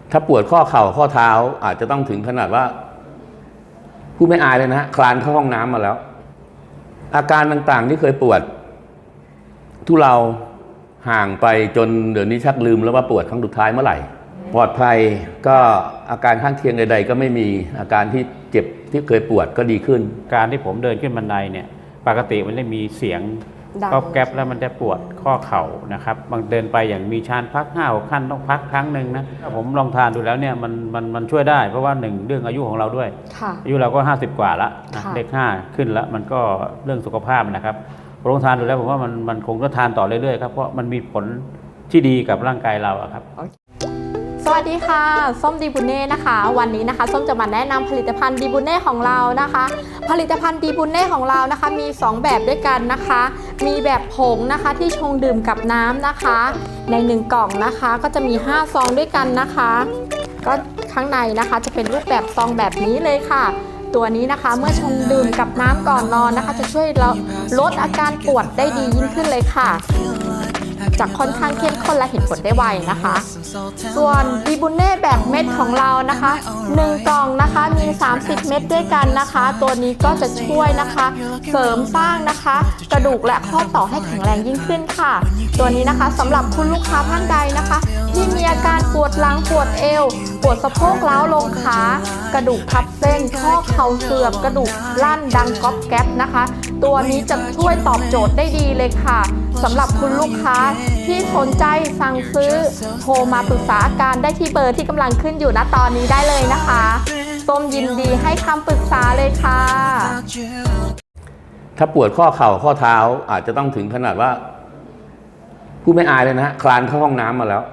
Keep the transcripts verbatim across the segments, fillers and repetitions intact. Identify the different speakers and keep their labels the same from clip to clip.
Speaker 1: ถ้าปวดข้อเข่าข้อเท้าอาจจะต้องถึงขนาดว่าผู้ไม่อายเลยนะคลานเข้าห้องน้ำมาแล้วอาการต่างๆที่เคยปวดทุเลาห่างไปจนเดี๋ยวนี้ชักลืมแล้วว่าปวดครั้งสุดท้ายเมื่อไหร่ปลอดภัยก็อาการข้างเคียงใดๆก็ไม่มีอาการที่เจ็บที่เคยปวดก็ดีขึ้น
Speaker 2: การที่ผมเดินขึ้นบันไดเนี่ยปกติมันจะมีเสียงก๊อบแก๊บแล้วมันจะปวดข้อเข่านะครับบางเดินไปอย่างมีชานพักห้าหกขั้นต้องพักครั้งหนึ่งนะผมลองทานดูแล้วเนี่ยมันมันมันช่วยได้เพราะว่าหนึ่งเรื่องอายุของเราด้วยอายุเราก็ห้าสิบกว่าละเลขห้าขึ้นแล้วมันก็เรื่องสุขภาพนะครับลองทานดูแล้วผมว่ามันมันคงต้องทานต่อเรื่อยๆครับเพราะมันมีผลที่ดีกับร่างกายเราครับ
Speaker 3: สวัสดีค่ะส้มดีบุเน่นะคะวันนี้นะคะส้มจะมาแนะนำผลิตภัณฑ์ดีบุเน่ของเรานะคะผลิตภัณฑ์ดีบุเน่ของเรานะคะมีสองแบบด้วยกันนะคะมีแบบผงนะคะที่ชงดื่มกับน้ำนะคะในหนึ่งกล่องนะคะก็จะมีห้าซองด้วยกันนะคะก็ข้างในนะคะจะเป็นรูปแบบซองแบบนี้เลยค่ะตัวนี้นะคะเมื่อชงดื่มกับน้ำก่อนนอนนะคะจะช่วยเราลดอาการปวดได้ดียิ่งขึ้นเลยค่ะจากค่อนข้างเข้มข้นและเห็นผลได้ไวนะคะส่วนดีบุเน่แบบเม็ดของเรานะคะหนึ่งกล่องนะคะมีสามสิบเม็ดด้วยกันนะคะตัวนี้ก็จะช่วยนะคะเสริมสร้างนะคะกระดูกและข้อต่อให้แข็งแรงยิ่งขึ้นค่ะตัวนี้นะคะสำหรับคุณลูกค้าท่านใดนะคะที่มีอาการปวดหลังปวดเอวปวดสะโพกล้าวลงขากระดูกทับเส้นข้อเข่าเสื่อมกระดูกลั่นดังก๊อบแก๊บนะคะตัวนี้จะช่วยตอบโจทย์ได้ดีเลยค่ะสำหรับคุณลูกค้าที่สนใจสั่งซื้อโทรมาปรึกษาอาการได้ที่เบอร์ที่กำลังขึ้นอยู่ณตอนนี้ได้เลยนะคะส้มยินดีให้คำปรึกษาเลยค่ะ
Speaker 1: ถ้าปวดข้อเข่าข้อเท้าอาจจะต้องถึงขนาดว่าผู้ไม่อายเลยนะคลานเข้าห้องน้ำมาแล้ว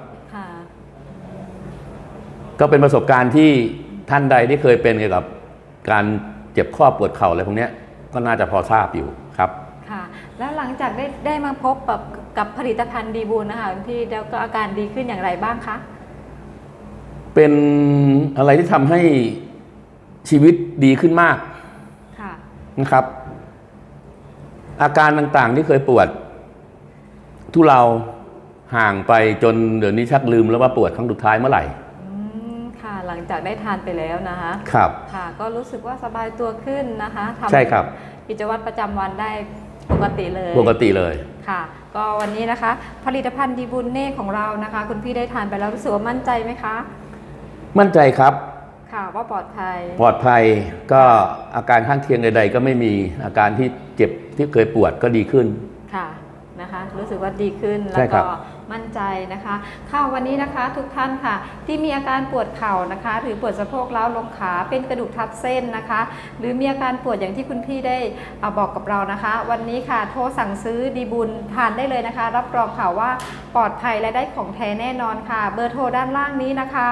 Speaker 1: ก็เป็นประสบการณ์ที่ท่านใดที่เคยเป็นเกี่ยวกับการเจ็บข้อปวดเข่าอะไรพวกนี้ก็น่าจะพอทราบอยู่ครับ
Speaker 4: ค่ะแล้วหลังจากได้ได้มาพบกับกับผลิตภัณฑ์ดีบูลนะคะคุณพี่แล้วก็อาการดีขึ้นอย่างไรบ้างคะ
Speaker 1: เป็นอะไรที่ทำให้ชีวิตดีขึ้นมากค่ะนะครับอาการต่างๆที่เคยปวดทุเลาห่างไปจนเดี๋ยวนี้ชักลืมแล้วว่าปวดครั้งสุดท้ายเมื่อไหร่
Speaker 4: ค่ะหลังจากได้ทานไปแล้วนะคะ
Speaker 1: ครับ
Speaker 4: ค่ะก็รู้สึกว่าสบายตัวขึ้นนะคะ
Speaker 1: ทำใช่ครับ
Speaker 4: กิจวัตรประจำวันได้ปกติเลย
Speaker 1: ปกติเลย
Speaker 4: ค่ะก็วันนี้นะคะผลิตภัณฑ์ดีบุญเน่ของเรานะคะคุณพี่ได้ทานไปแล้วรู้สึกว่ามั่นใจไหมคะ
Speaker 1: มั่นใจครับ
Speaker 4: ค่ะว่าปลอดภัย
Speaker 1: ปลอดภัยก็อาการข้างเคียงใดๆก็ไม่มีอาการที่เจ็บที่เคยปวดก็ดีขึ้น
Speaker 4: ค่ะนะคะรู้สึกว่าดีขึ้นแล้วก็มั่นใจนะคะค่ะวันนี้นะคะทุกท่านค่ะที่มีอาการปวดเข่านะคะหรือปวดสะโพกล้าวลงขาเป็นกระดูกทับเส้นนะคะหรือมีอาการปวดอย่างที่คุณพี่ได้บอกกับเรานะคะวันนี้ค่ะโทรสั่งซื้อดีบุญทานได้เลยนะคะรับรองค่ะว่าปลอดภัยและได้ของแท้แน่นอนค่ะเบอร์โทรด้านล่างนี้นะคะ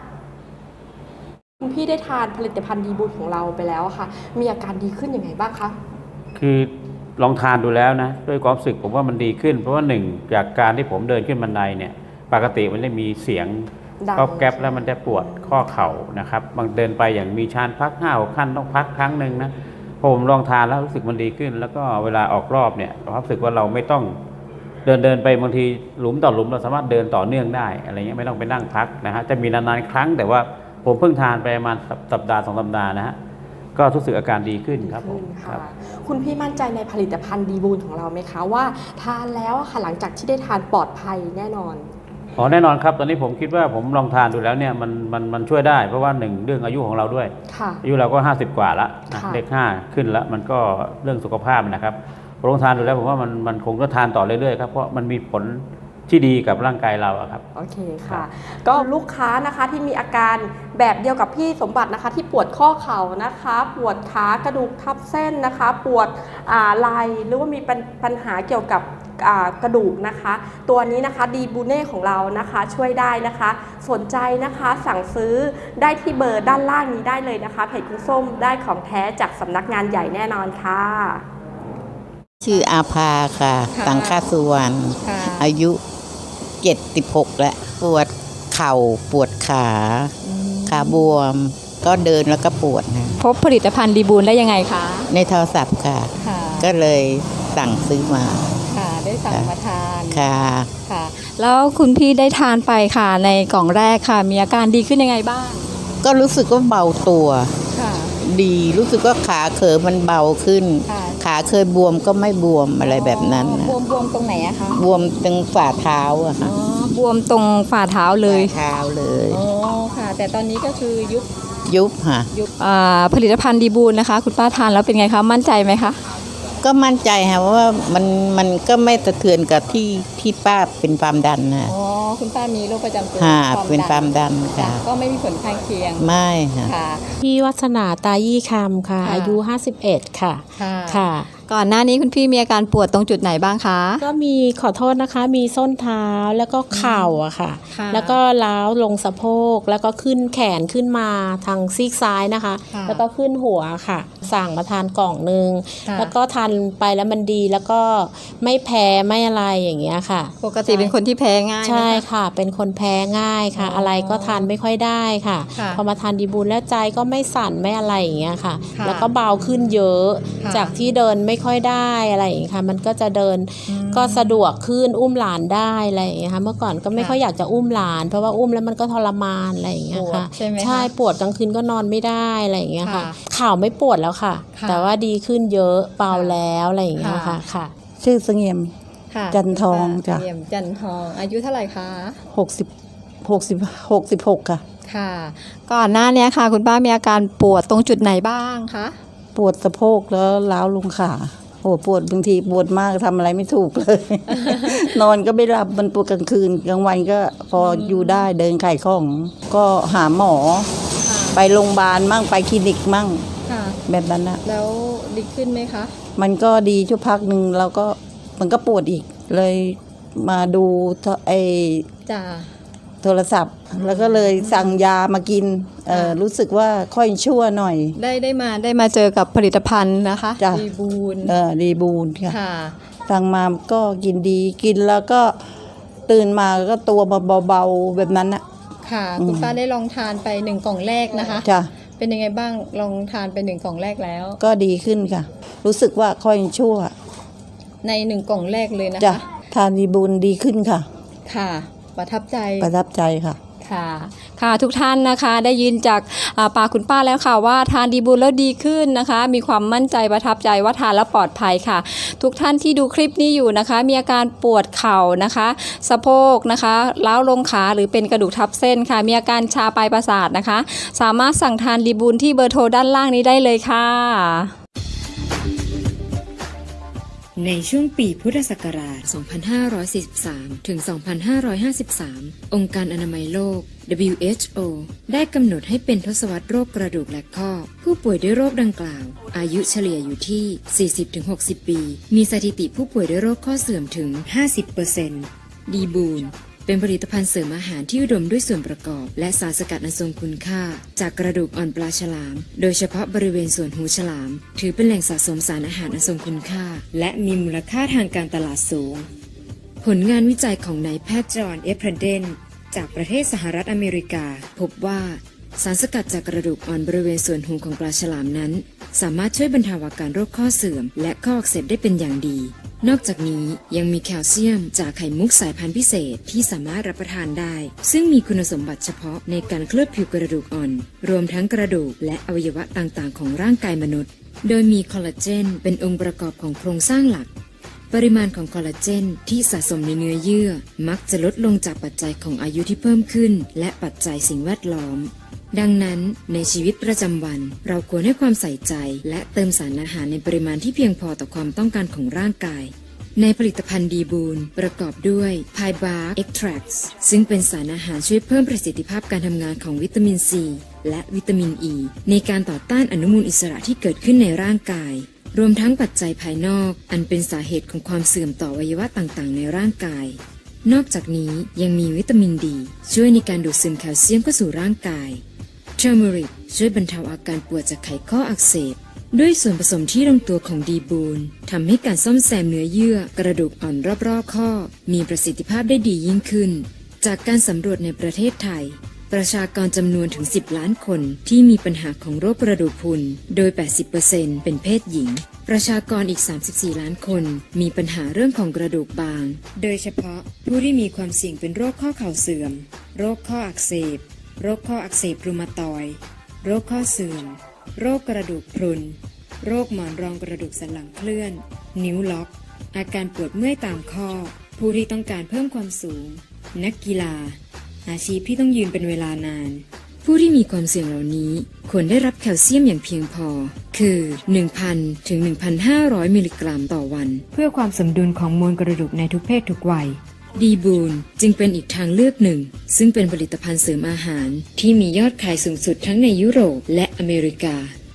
Speaker 3: คุณพี่ได้ทานผลิตภัณฑ์ดีบุญของเราไปแล้วค่ะมีอาการดีขึ้นยังไงบ้างคะ
Speaker 2: คือลองทานดูแล้วนะด้วยความรู้สึกผมว่ามันดีขึ้นเพราะว่าหนึ่งจากการที่ผมเดินขึ้นบันไดเนี่ยปกติมันจะมีเสียงก๊อบแก๊บแล้วมันจะปวดข้อเข่านะครับบางเดินไปอย่างมีชานพักห้าหกขั้นต้องพักครั้งหนึ่งนะพอผมลองทานแล้วรู้สึกมันดีขึ้นแล้วก็เวลาออกรอบเนี่ยรู้สึกว่าเราไม่ต้องเดินเดินไปบางทีหลุมต่อหลุมเราสามารถเดินต่อเนื่องได้อะไรเงี้ยไม่ต้องไปนั่งพักนะฮะจะมีนานๆครั้งแต่ว่าผมเพิ่งทานไปประมาณสัปดาห์สองสัปดาห์นะฮะก็รู้สึกอาการดีขึ้นครับผม
Speaker 3: ค่ะคุณพี่มั่นใจในผลิตภัณฑ์ดีบูลของเราไหมคะว่าทานแล้วค่ะหลังจากที่ได้ทานปลอดภัยแน่นอน
Speaker 2: อ๋อแน่นอนครับตอนนี้ผมคิดว่าผมลองทานดูแล้วเนี่ยมันมันมันช่วยได้เพราะว่าหนึ่งเรื่องอายุของเราด้วยอายุเราก็ห้าสิบกว่าละเลขห้าขึ้นแล้วมันก็เรื่องสุขภาพนะครับลองทานดูแล้วผมว่ามันมันคงต้องทานต่อเรื่อยๆครับเพราะมันมีผลที่ดีกับร่างกายเราครับ
Speaker 3: โอเคค่ะก็ลูกค้านะคะที่มีอาการแบบเดียวกับพี่สมบัตินะคะที่ปวดข้อเข่านะคะปวดขากระดูกทับเส้นนะคะปวดไหล่หรือว่ามีปัญหาเกี่ยวกับกระดูกนะคะตัวนี้นะคะดีบูเน่ของเรานะคะช่วยได้นะคะสนใจนะคะสั่งซื้อได้ที่เบอร์ด้านล่างนี้ได้เลยนะคะเพจคุณส้มได้ของแท้จากสำนักงานใหญ่แน่นอนค่ะ
Speaker 5: ชื่ออาภาค่ะสังฆสุวรรณอายุเจ็ดสิบหกแล้วปวดเข่าปวดขาขาบวมก็เดินแล้วก็ปวดนะ
Speaker 4: พบผลิตภัณฑ์ดีบูลได้ยังไงคะ
Speaker 5: ในโทรศัพท์ค่ะก็เลยสั่งซื้อมา
Speaker 4: ค่ะไได้สั่งมาทาน
Speaker 5: ค่ะ
Speaker 4: ค่ะ แล้วคุณพี่ได้ทานไปค่ะในกล่องแรกค่ะ มีอาการดีขึ้นยังไงบ้าง
Speaker 5: ก็รู้สึกว่าเบาตัว
Speaker 4: ค่ะ
Speaker 5: ดีรู้สึกว่าขาเขอมันเบาขึ้น
Speaker 4: ค่ะ
Speaker 5: ขาเคยบวมก็ไม่บวมอะไรแบบนั้นนะ
Speaker 4: บวมบวมตรงไหนอะคะ
Speaker 5: บวมตรงฝ่าเท้าอะ
Speaker 4: อ๋
Speaker 5: ค่ะ
Speaker 4: อบวมตรงฝ่าเท้าเลย
Speaker 5: ฝ่าเท้าเลย
Speaker 4: อ๋อค่ะ แต่ตอนนี้ก็คือยุบ
Speaker 5: ยุบค่ะ
Speaker 4: ยุบอ่าผลิตภัณฑ์ดีบูลนะคะ คุณป้าทานแล้วเป็นไงคะมั่นใจไหมคะ
Speaker 5: ก็มั่นใจค่ะว่ามันมันก็ไม่สะเทือนกับที่ที่ป้าเป็นความดันนะ
Speaker 4: อ๋อคุณป้ามีโรคประจำตัว
Speaker 5: ค่ะเป็นความดันค่ะ
Speaker 4: ก็ไม่มีผลข้างเคียง
Speaker 5: ไม่ค่ะ
Speaker 4: ค่ะ
Speaker 6: พี่วัฒนาตายี่คำค่ะ
Speaker 4: ค่ะ
Speaker 6: อายุห้าสิบเอ็ดค่ะ
Speaker 4: ค่ะ
Speaker 6: ค่ะ
Speaker 4: ก่อนหน้านี้คุณพี่มีอาการปวดตรงจุดไหนบ้างคะ
Speaker 6: ก็มีขอโทษนะคะ มีส้นเท้าแล้วก็เข่าอะค่ะ
Speaker 4: ค่ะ
Speaker 6: แล้วก็ล้าวลงสะโพก แล้วก็ขึ้นแขนขึ้นมาทางซีกซ้ายนะคะ
Speaker 4: ค่ะ
Speaker 6: แล้วก็ขึ้นหัวค่ะ สั่งมาทานกล่องหนึ่ง
Speaker 4: ค่ะ
Speaker 6: แล้วก็ทานไปแล้วมันดีแล้วก็ไม่แพ้ไม่อะไรอย่างเงี้ยค่ะ
Speaker 4: ปกติเป็นคนที่แพ้ง่ายไหมคะ
Speaker 6: ใช่ค่ะ เป็นคนแพ้ง่ายค่ะ
Speaker 4: อ๋ออ
Speaker 6: อะไรก็ทานไม่ค่อยได้ค่ะ
Speaker 4: ค่ะ
Speaker 6: พอมาทานดีบูลแล้วใจก็ไม่สั่นไม่อะไรอย่างเงี้ยค่ะ
Speaker 4: ค่ะ
Speaker 6: แล้วก็เบาขึ้นเยอะ
Speaker 4: ค่ะ
Speaker 6: จากที่เดินไม่ค่อยได้อะไรอย่างเงี้ยค่ะ มันก็จะเดิน
Speaker 4: อืม
Speaker 6: ก็สะดวกขึ้นอุ้มหลานได้อะไรอย่างเงี้ยค่ะ เมื่อก่อนก็ไม่
Speaker 4: ค่ะ
Speaker 6: ค่อยอยากจะอุ้มหลาน เพราะว่าอุ้มแล้วมันก็ทรมานอะไรอย่างเงี้ยค่ะ
Speaker 4: ปวดใช่ไหมคะ
Speaker 6: ใช่ปวดกลางคืนก็นอนไม่ได้อะไรอย่างเงี้ยค่ะ
Speaker 4: ค่ะ
Speaker 6: ข่าวไม่ปวดแล้วค่ะ
Speaker 4: ค่ะ
Speaker 6: แต่ว่าดีขึ้นเยอะเบาแล้วอะไรอย่างเงี้ย
Speaker 4: ค่ะ
Speaker 6: ค่ะค่ะ
Speaker 7: ชื่อเสงี่ยม
Speaker 4: ค่ะ
Speaker 7: จันทองจ้ะ
Speaker 4: เยี่ยมจันทองอายุเท่าไหร่คะ
Speaker 7: หกสิบหกสิบหกสิบหกค่ะ
Speaker 4: ค่ะ ก่อนหน้านี้ค่ะ คุณป้ามีอาการปวดตรงจุดไหนบ้างคะ
Speaker 7: ปวดสะโพกแล้วล้าวลงขาโอ้ปวดบางทีปวดมากทำอะไรไม่ถูกเลย นอนก็ไม่หลับมันปวดกลางคืนกลางวันก็พออยู่ได้เดินขายของ ก็หาหมอ ไปโรงพยาบาลมั่งไปคลินิกมั่ง
Speaker 4: ค่ะ
Speaker 7: แบบนั้นนะ
Speaker 4: แล้วดีขึ้นไหมคะ
Speaker 7: มันก็ดีชั่วพักหนึ่งแล้วก็มันก็ปวดอีก เลยมาดูไอ
Speaker 4: จ้า
Speaker 7: โทรศัพท์ แล้วก็เลยสั่งยามากินเออ
Speaker 4: ค่ะ
Speaker 7: รู้สึกว่าค่อยชั่วหน่อย
Speaker 4: ได้ได้มาได้มาเจอกับผลิตภัณฑ์นะคะ
Speaker 7: จ้ะ
Speaker 4: ดีบูล
Speaker 7: เออดีบูนค่ะ
Speaker 4: ค่ะ
Speaker 7: สั่งมาก็กินดีกินแล้วก็ตื่นมาก็ตัวเบาๆแบบนั้นนะ
Speaker 4: ค่ะ คุณป้าได้ลองทานไปหนึ่งกล่องแรกนะคะ
Speaker 7: จ้ะ
Speaker 4: เป็นยังไงบ้างลองทานไปหนึ่งกล่องแรกแล้ว
Speaker 7: ก็ดีขึ้นค่ะ รู้สึกว่าค่อยชั่ว
Speaker 4: ในหนึ่งกล่องแรกเลยนะ
Speaker 7: จ้ะ
Speaker 4: คะ
Speaker 7: ทานดีบูนดีขึ้นค่ะ
Speaker 4: ค่ะ ประทับใจ
Speaker 7: ประทับใจค่ะ
Speaker 4: ค่ะ ค่ะทุกท่านนะคะได้ยินจากอ่าปากคุณป้าแล้วค่ะว่าทานดีบูลแล้วดีขึ้นนะคะ มีความมั่นใจประทับใจว่าทานแล้วปลอดภัยค่ะ ทุกท่านที่ดูคลิปนี้อยู่นะคะ มีอาการปวดเข่านะคะสะโพกนะคะล้าวลงขาหรือเป็นกระดูกทับเส้นค่ะ มีอาการชาปลายประสาทนะคะ สามารถสั่งทานดีบูลที่เบอร์โทรด้านล่างนี้ได้เลยค่ะ
Speaker 8: ในช่วงปีพุทธศักราช สองพันห้าร้อยสี่สิบสาม ถึง สองพันห้าร้อยห้าสิบสาม องค์การอนามัยโลก ดับเบิลยู เอช โอ ได้กำหนดให้เป็นทศวรรษโรคกระดูกและข้อ ผู้ป่วยด้วยโรคดังกล่าว อายุเฉลี่ยอยู่ที่ สี่สิบถึงหกสิบ ปี มีสถิติผู้ป่วยด้วยโรคข้อเสื่อมถึง ห้าสิบเปอร์เซ็นต์ ดีบูลเป็นผลิตภัณฑ์เสริมอาหารที่อุดมด้วยส่วนประกอบ และสารสกัดอันทรงคุณค่า จากกระดูกอ่อนปลาฉลาม โดยเฉพาะบริเวณส่วนหูฉลาม ถือเป็นแหล่งสะสมสารอาหารอันทรงคุณค่า และมีมูลค่าทางการตลาดสูง ผลงานวิจัยของนายแพทย์จอห์นเอฟเพรเดนจากประเทศสหรัฐอเมริกา พบว่า สารสกัดจากกระดูกอ่อนบริเวณส่วนหูของปลาฉลามนั้น สามารถช่วยบรรเทาอาการโรคข้อเสื่อม และข้ออักเสบได้เป็นอย่างดี นอกจากนี้ยังมีแคลเซียมจากไข่มุกสายพันธุ์พิเศษที่สามารถรับประทานได้ ซึ่งมีคุณสมบัติเฉพาะในการเคลือบผิวกระดูกอ่อน รวมทั้งกระดูกและอวัยวะต่างๆ ของร่างกายมนุษย์ โดยมีคอลลาเจนเป็นองค์ประกอบของโครงสร้างหลัก ปริมาณของคอลลาเจนที่สะสมในเนื้อเยื่อ มักจะลดลงจากปัจจัยของอายุที่เพิ่มขึ้น และปัจจัยสิ่งแวดล้อม ดังนั้นในชีวิตประจำวันเราควรให้ความใส่ใจ และเติมสารอาหารในปริมาณที่เพียงพอต่อความต้องการของร่างกาย ในผลิตภัณฑ์ดีบูลประกอบด้วยไพบาร์เอ็กทรักซ์ซึ่งเป็นสารอาหารช่วยเพิ่มประสิทธิภาพการทำงานของวิตามินซีและวิตามินอ e ีในการต่อต้านอนุมูลอิสระที่เกิดขึ้นในร่างกาย รวมทั้งปัจจัยภายนอกอันเป็นสาเหตุของความเสื่อมต่ออวัยวะต่างๆในร่างกาย นอกจากนี้ยังมีวิตามินดีช่วยในการดูดซึมแคลเซียมเข้าสู่ร่างกายเทอร์เมริกช่วยบรรเทาอาการปวดจากไขข้ออักเสบด้วยส่วนผสมที่ลงตัวของดีบูลทำให้การซ่อมแซมเนื้อเยื่อกระดูกอ่อนรอบๆข้อมีประสิทธิภาพได้ดียิ่งขึ้นจากการสำรวจในประเทศไทยประชากรจำนวนถึงสิบล้านคนที่มีปัญหาของโรคกระดูกพรุนโดย แปดสิบเปอร์เซ็นต์ เป็นเพศหญิงประชากรอีก สามสิบสี่ ล้านคนมีปัญหาเรื่องของกระดูกบาง โดยเฉพาะผู้ที่มีความเสี่ยงเป็นโรคข้อเข่าเสื่อม โรคข้ออักเสบ โรคข้ออักเสบรูมาตอยด์ โรคข้อเสื่อม โรคกระดูกพรุน โรคหมอนรองกระดูกสันหลังเคลื่อน นิ้วล็อก อาการปวดเมื่อยตามข้อ ผู้ที่ต้องการเพิ่มความสูง นักกีฬา อาชีพที่ต้องยืนเป็นเวลานาน ผู้ที่มีความเสี่ยงเหล่านี้ควรได้รับแคลเซียมอย่างเพียงพอ คือ หนึ่งพัน ถึง หนึ่งพันห้าร้อย มิลลิกรัมต่อวัน เพื่อความสมดุลของมวลกระดูกในทุกเพศทุกวัย ดีบูนจึงเป็นอีกทางเลือกหนึ่ง ซึ่งเป็นผลิตภัณฑ์เสริมอาหารที่มียอดขายสูงสุดทั้งในยุโรปและอเมริกา